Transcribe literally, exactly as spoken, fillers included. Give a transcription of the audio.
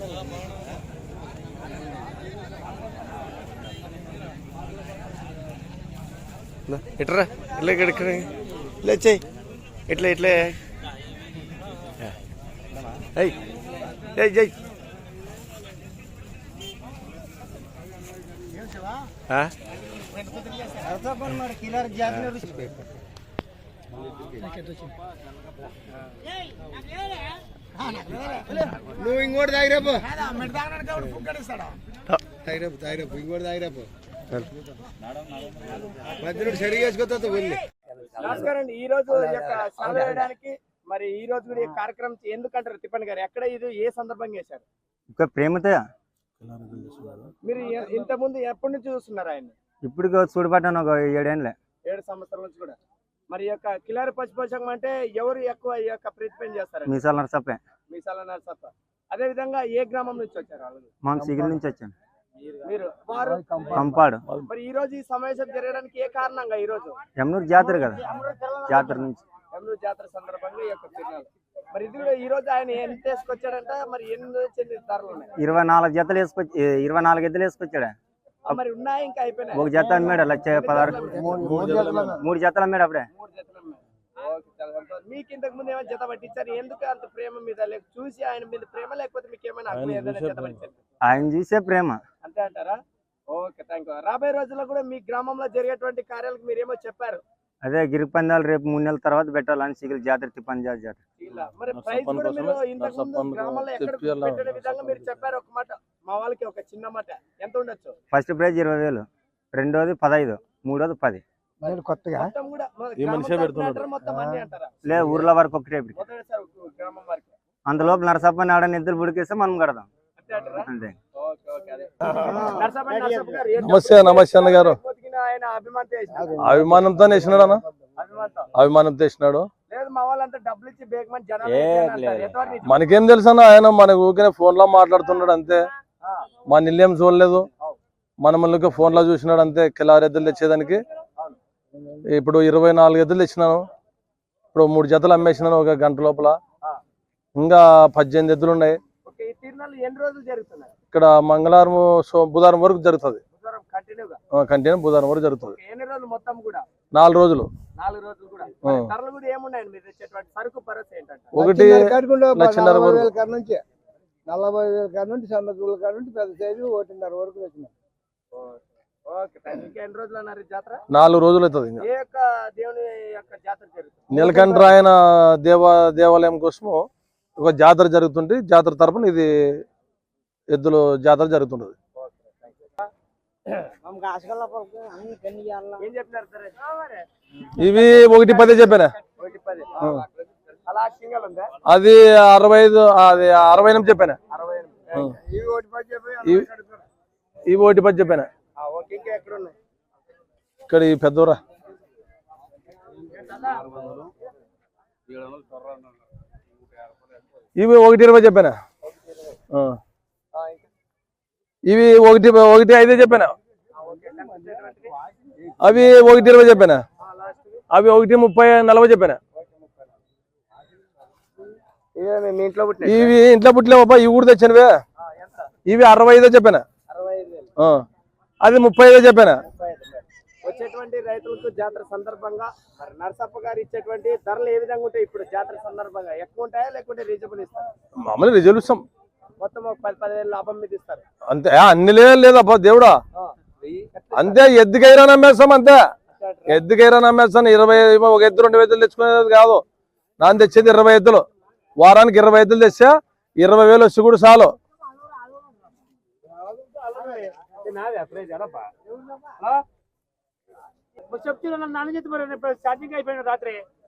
ఇట్రా ఇట్లా ఇక్కడ ఇట్లా వచ్చాయి ఇట్లా ఇట్లే అయ్యి జై జై నువ్వు ఇంకోటి తాగిరేపు తాగిరేపు తాగిరేపు ఇంకోటి తాగిరేపు మధ్యలో సరిగా వేసుకోతా వెళ్ళి. నమస్కారం అండి. ఈ రోజు సేవ వేయడానికి మరి ఈ రోజు కూడా ఈ కార్యక్రమం ఎందుకంటారు తిప్పండి గారు? ఎక్కడ ఇది ఏ సందర్భంగా చేశారు? ఇంకా ప్రేమతో మీరు ఇంత ముందు ఎప్పటి నుంచి చూస్తున్నారు ఆయన? ఇప్పుడు చూడబడ్డాను ఒక ఏడేళ్ళే ఏడు సంవత్సరాల నుంచి కూడా. మరి యొక్క కిలారి పశుపోషకం అంటే ఎవరు ఎక్కువ ఈ యొక్క ప్రతిపేం చేస్తారు? మీసాల నరసప్పే. మీసాల నరసప్ప. అదే విధంగా ఏ గ్రామం నుంచి వచ్చారు వాళ్ళు? మనం సిగిల్ నుంచి వచ్చాను. మీరు వారు కంపాడు. మరి ఈ రోజు ఈ సమావేశం జరగడానికి ఏ కారణంగా? ఈ రోజు యమునూరు జాతర కదా, జాతర నుంచి యమునూరు జాతర సందర్భంగా ఈ యొక్క తిరునాళ్ళు. మరి ఇది ఈ రోజు ఆయన ఎంత వేసుకొచ్చాడంట? మరి ఎన్ని చెంది ధరలు ఉన్నాయి? ఇరవై నాలుగు జతలు వేసుకొచ్చి ఇరవై నాలుగు ఎద్దులు వేసుకొచ్చాడా? మరి ఉన్నాయి ఇంకా అయిపోయినాయి? ఒక జత అమ్మాడు లక్ష పదహారు మూడు జతలు అమ్మాడు అప్పుడే. మూడు జతలు అమ్మాడు. మీకు ఇంతకు ముందు ఏమైనా జత పట్టించారు? ఎందుకు అంత ప్రేమ మీద? లేక చూసి ఆయన మీద ప్రేమ, లేకపోతే మీకు ఏమైనా జత పట్టించారు? ఆయన చూసే ప్రేమ అంతే అంటారా? Okay, thank you. రాబోయే రోజుల్లో కూడా మీ గ్రామంలో జరిగేటువంటి కార్యాలకు మీరేమో చెప్పారు. అదే గిరి పందాలు రేపు మూడు నెలల తర్వాత పెట్టాలని సిగిల్ జాతర తిప్పంజాల జాతర. మరి ప్రైజ్ కూడా మీరు ఇంతకు ముందు గ్రామంలో ఎక్కడ పెట్టే విధంగా మీరు చెప్పారు. ఒక మాట మా వాళ్ళకి ఒక చిన్న మాట ఎంత ఉండొచ్చు? ఫస్ట్ ప్రైజ్ ఇరవై వేలు, రెండోది పదహైదు, మూడోది పది. కొత్తగా లేదు ఊర్ల వరకు ఒకటే. అందులోపు నరసప్ప నాడని ఎద్దులు బుడికేస్తే మనం కడదాం అంతే. నమస్తే నమస్తే అన్న గారు. అభిమానంతో వేసినాడు అన్న, అభిమానంతో వేసినాడు. మనకేం తెలుసు అన్న, ఆయన మన ఊరికే ఫోన్ లో మాట్లాడుతున్నాడు అంతే. మన ఇల్లేం చూడలేదు, మన మళ్ళీ ఫోన్ లో చూసినాడు అంతే. కిలారి ఎద్దులు తెచ్చేదానికి ఇప్పుడు ఇరవై నాలుగు ఎద్దులు తెచ్చినాను. ఇప్పుడు మూడు జతలు అమ్మేసినాను ఒక గంట లోపల. ఇంకా పద్దెనిమిది ఎద్దులు ఉన్నాయి. ఇక్కడ మంగళవారం బుధవారం వరకు జరుగుతుంది. కంటిన్యూ బుధవారం వరకు జరుగుతుంది. నాలుగు రోజులు. ఒకటి లక్షన్నర వరకు, నలభై వేల కాడ నుంచి సన్న దూల కాడ నుంచి పెద్ద సైజు ఒకటిన్నర వరకు వచ్చినాయి. నాలుగు రోజులు అవుతుంది. నీలకంఠరాయన దేవ దేవాలయం కోసము ఒక జాతర జరుగుతుంది. జాతర తరపున ఇది ఎద్దుల జాతర జరుగుతుంటది. ఇవి ఒకటి పదే చెప్పానా, అది అరవై ఐదు, అది అరవై ఎనిమిది చెప్పానా. ఇవి ఒకటి పది చెప్పానా. ఇక్కడ ఈ పెద్దోరా ఇవి ఒకటి ఇరవై చెప్పానా. ఇవి ఒకటి ఒకటి ఐదే చెప్పానా. అవి ఒకటి ఇరవై చెప్పానా. అవి ఒకటి ముప్పై నలభై చెప్పానా. ఇవి ఇంట్లో పుట్టలేవబ్బా, ఇవి కూడా తెచ్చినవే. ఇవి అరవై ఐదో చెప్పానా. అది ముప్పై ఐదో చెప్పానా. వచ్చేటువంటి రైతులకు జాతర సందర్భంగా మరి నరసప్ప గారు ఇచ్చేటువంటి ధరలు ఏ విధంగా ఉంటాయి? ఇప్పుడు జాతర సందర్భంగా ఎక్కువ ఉంటాయా లేకుంటే రీజనబుల్ ఇస్తారు? మామూలు రిజల్ట్ ఇస్తాం. మొత్తం ఒక పది పదివేలు లాభం మీద ఇస్తారు అంతే. అన్ని లేదబ్బా దేవుడా, అంతే. ఎద్దుకైరా నమ్మేస్తాం అంతే. ఎద్దుకైరా నమ్మేస్తాను. ఇరవై ఒక ఎద్దు రెండు ఎద్దులు తెచ్చుకునేది కాదు. నాన్న తెచ్చేది ఇరవై ఎద్దులు. వారానికి ఇరవై ఎద్దులు తెచ్చా ఇరవై వేలు వచ్చి కూడా చాలు. చెప్తున్నా నాన్న చెప్తున్నారు స్టార్టింగ్ అయిపోయిన రాత్రి